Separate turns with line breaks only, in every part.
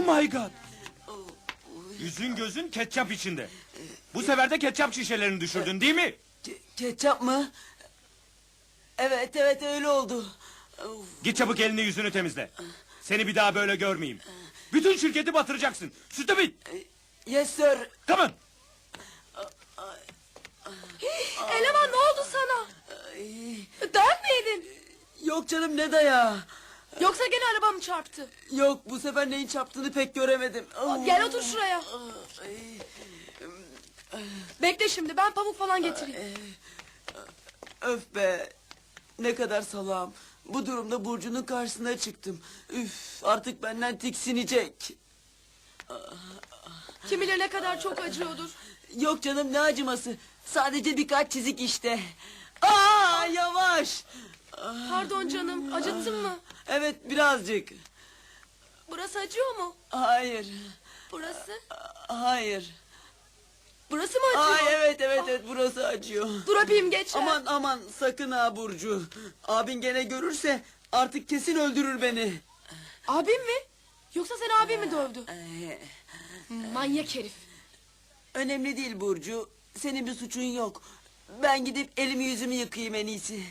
Oh my god. Yüzün gözün ketçap içinde. Bu sefer de ketçap şişelerini düşürdün değil mi?
Ketçap mı? Evet öyle oldu.
Git çabuk elini yüzünü temizle. Seni bir daha böyle görmeyeyim. Bütün şirketi batıracaksın. Stupid.
Yes sir.
Come on.
Eleman ne oldu sana? Dayak mı yedin?
Yok canım ne dayağı.
Yoksa gene araba mı çarptı?
Yok bu sefer neyin çarptığını pek göremedim.
Gel otur şuraya. Bekle şimdi ben pamuk falan getireyim.
Öf be. Ne kadar salağım. Bu durumda Burcu'nun karşısına çıktım. Üf artık benden tiksinecek.
Kim bilir ne kadar çok acıyordur.
Yok canım ne acıması. Sadece birkaç çizik işte. Aa yavaş.
Pardon canım acıttın mı?
Evet birazcık.
Burası acıyor mu?
Hayır.
Burası?
Hayır.
Burası mı acıyor?
Ay evet burası acıyor.
Dur öpeyim geç.
Aman sakın ha Burcu. Abin gene görürse artık kesin öldürür beni.
Abim mi? Yoksa seni abim mi dövdü? Manyak herif.
Önemli değil Burcu. Senin bir suçun yok. Ben gidip elimi yüzümü yıkayayım en iyisi.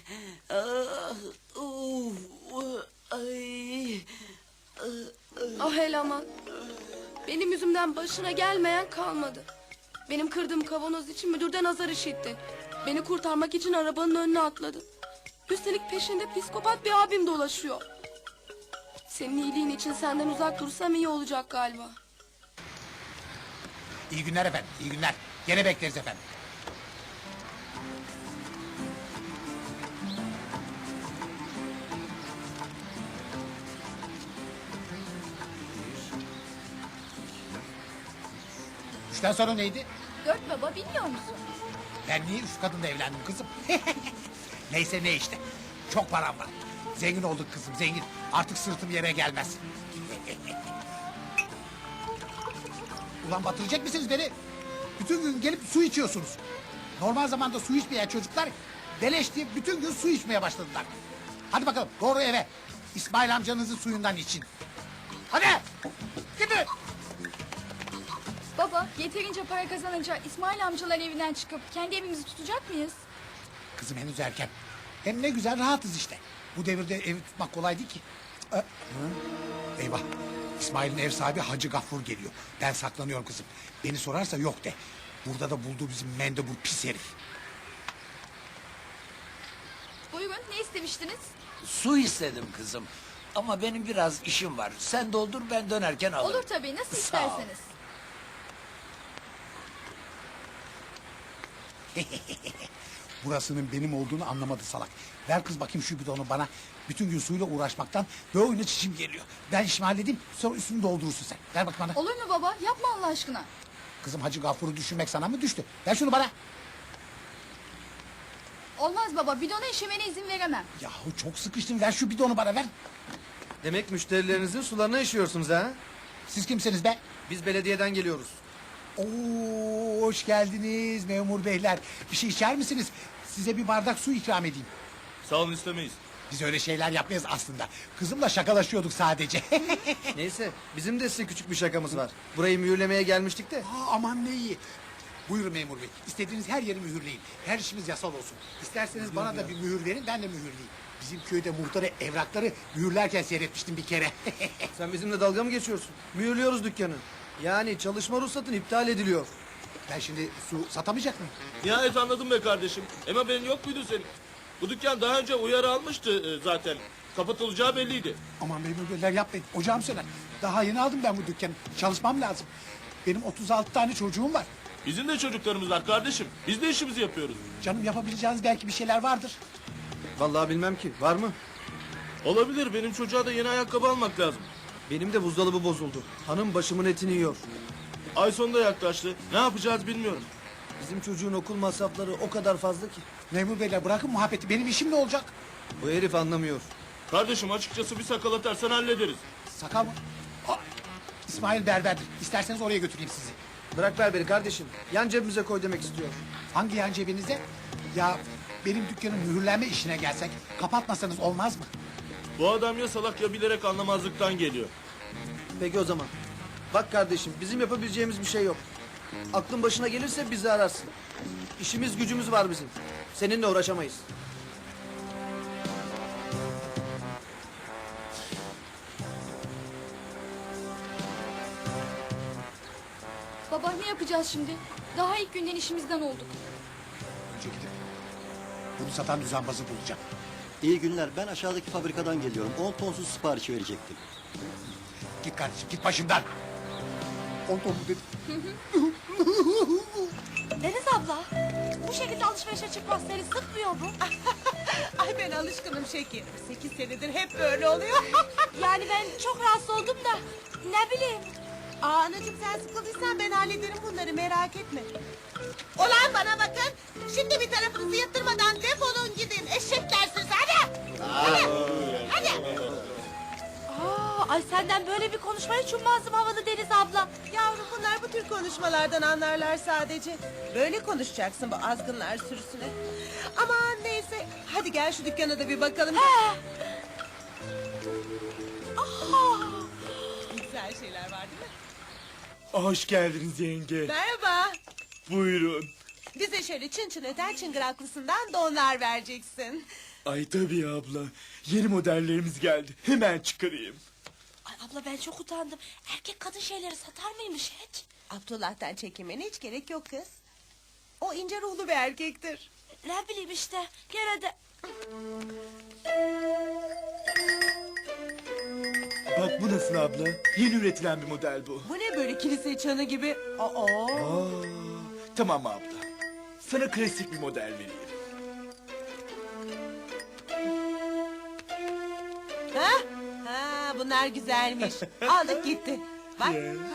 Ay.
Ah eleman. Benim yüzümden başına gelmeyen kalmadı. Benim kırdığım kavanoz için müdürden azar işitti. Beni kurtarmak için arabanın önüne atladı. Üstelik peşinde psikopat bir abim dolaşıyor. Senin iyiliğin için senden uzak dursam iyi olacak galiba.
İyi günler efendim, iyi günler. Gene bekleriz efendim. Üçten sonra neydi?
4 baba bilmiyor musun?
Ben niye üç kadınla evlendim kızım? Neyse ne işte. Çok param var. Zengin olduk kızım, zengin. Artık sırtım yere gelmez. Ulan batıracak mısınız beni? Bütün gün gelip su içiyorsunuz. Normal zamanda su içmeyen çocuklar beleş diye bütün gün su içmeye başladılar. Hadi bakalım doğru eve. İsmail amcanızın suyundan için. Hadi gidin.
Baba yeterince para kazanınca İsmail amcaların evinden çıkıp kendi evimizi tutacak mıyız?
Kızım henüz erken. Hem ne güzel rahatız işte. Bu devirde evi tutmak kolay değil ki. Eyvah. İsmail'in ev sahibi Hacı Gaffur geliyor. Ben saklanıyorum kızım. Beni sorarsa yok de. Burada da bulduğu bizim mendebur pis herif.
Buyurun ne istemiştiniz?
Su istedim kızım. Ama benim biraz işim var. Sen doldur ben dönerken alırım.
Olur tabii nasıl
Sağ ol.
isterseniz.
Burasının benim olduğunu anlamadı salak. Ver kız bakayım şu bidonu bana. Bütün gün suyla uğraşmaktan böyle çişim geliyor. Ben işimi halledeyim sonra üstünü doldurursun sen. Ver bak bana.
Olur mu baba yapma Allah aşkına.
Kızım Hacı Gafur'u düşünmek sana mı düştü? Ver şunu bana.
Olmaz baba bidona işemene izin veremem.
Yahu çok sıkıştım ver şu bidonu bana ver.
Demek müşterilerinizin sularına işiyorsunuz ha?
Siz kimsiniz be?
Biz belediyeden geliyoruz.
Oo, hoş geldiniz memur beyler. Bir şey içer misiniz? Size bir bardak su ikram edeyim.
Sağ olun istemeyiz.
Biz öyle şeyler yapmayız aslında. Kızımla şakalaşıyorduk sadece.
Neyse bizim de size küçük bir şakamız var. Burayı mühürlemeye gelmiştik de.
Aman ne iyi. Buyurun memur bey. İstediğiniz her yeri mühürleyin. Her işimiz yasal olsun. İsterseniz bana da bir mühür verin ben de mühürleyeyim. Bizim köyde muhtarı evrakları mühürlerken seyretmiştim bir kere.
Sen bizimle dalga mı geçiyorsun? Mühürlüyoruz dükkanı. Yani çalışma ruhsatın iptal ediliyor.
Ben şimdi su satamayacak mıyım?
Nihayet anladım be kardeşim. Hem haberin yok muydu senin? Bu dükkan daha önce uyarı almıştı zaten. Kapatılacağı belliydi.
Aman memur beyler yapmayın. Ocağım söner. Daha yeni aldım ben bu dükkanı. Çalışmam lazım. Benim 36 tane çocuğum var.
Bizim de çocuklarımız var kardeşim. Biz de işimizi yapıyoruz.
Canım yapabileceğiniz belki bir şeyler vardır.
Vallahi bilmem ki. Var mı?
Olabilir, benim çocuğa da yeni ayakkabı almak lazım.
Benim de buzdolabı bozuldu. Hanım başımın etini yiyor.
Ay sonunda yaklaştı. Ne yapacağız bilmiyorum.
Bizim çocuğun okul masrafları o kadar fazla ki.
Memur beyler bırakın muhabbeti. Benim işim ne olacak?
Bu herif anlamıyor.
Kardeşim açıkçası bir sakal atarsan hallederiz.
Sakal mı? Aa, İsmail berberdir. İsterseniz oraya götüreyim sizi.
Bırak ver beni kardeşim. Yan cebimize koy demek istiyor.
Hangi yan cebinize? Ya benim dükkanın mühürlenme işine gelsek kapatmasanız olmaz mı?
Bu adam ya salak ya bilerek anlamazlıktan geliyor.
Peki o zaman. Bak kardeşim bizim yapabileceğimiz bir şey yok. Aklın başına gelirse bizi ararsın. İşimiz gücümüz var bizim. Seninle uğraşamayız.
Baba ne yapacağız şimdi? Daha ilk günden işimizden olduk.
Önce gidip bunu satan düzenbazı bulacağım.
İyi günler. Ben aşağıdaki fabrikadan geliyorum. 10 tonsuz sipariş verecektim.
Git kardeşim git başımdan. 10 ton mu dedim?
Deniz abla, bu şekilde alışverişe çıkmak seni sıkmıyor mu?
Ay ben alışkınım şekerim. 8 senedir hep böyle oluyor.
Yani ben çok rahatsız oldum da ne bileyim.
Aa anacığım sen sıkıldıysan ben hallederim bunları merak etme. Olan bana bakın. Şimdi bir tarafınızı yatırmadan defolun gidin. Eşekler siz hadi. Hadi.
Ay senden böyle bir konuşma hiç ummazdım havalı Deniz abla.
Yavrum bunlar bu tür konuşmalardan anlarlar sadece. Böyle konuşacaksın bu azgınlar sürüsüne. Aman neyse. Hadi gel şu dükkana da bir bakalım. Güzel şeyler var değil mi?
Hoş geldiniz yenge.
Merhaba.
Buyurun.
Bize şöyle çın çın öten çıngıraklısından donlar vereceksin.
Ay tabii abla. Yeni modellerimiz geldi. Hemen çıkarayım.
Ay abla ben çok utandım. Erkek kadın şeyleri satar mıymış hiç?
Abdullah'tan çekinmene hiç gerek yok kız. O ince ruhlu bir erkektir.
Ne bileyim işte gene de...
Bak bu nasıl abla? Yeni üretilen bir model bu.
Bu ne böyle kilise çanı gibi? Aa.
Tamam abla. Sana klasik bir model vereyim.
Ha? Ha, bunlar güzelmiş. Aldık gitti. Bak.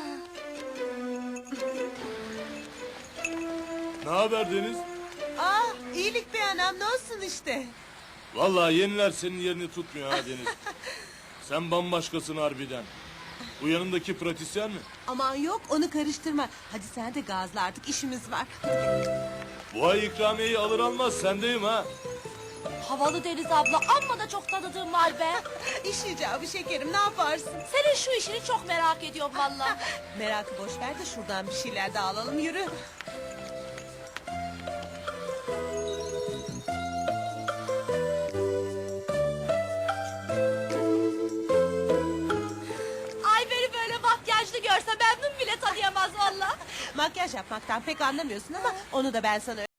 Ne haber Deniz?
Aa, iyilik be anam ne olsun işte.
Vallahi yeniler senin yerini tutmuyor ha Deniz. Sen bambaşkasın harbiden. Bu yanındaki pratisyen mi?
Aman yok onu karıştırma. Hadi sen de gazla artık işimiz var.
Bu ay ikramiyeyi alır almaz sendeyim ha.
Havalı Deniz abla amma da çok tanıdığım var be.
İş icabı şekerim ne yaparsın?
Senin şu işini çok merak ediyorum valla.
Merakı boş ver de şuradan bir şeyler de alalım yürü.
Ay beni böyle makyajlı görse memnun bile tanıyamaz valla.
Makyaj yapmaktan pek anlamıyorsun ama onu da ben sana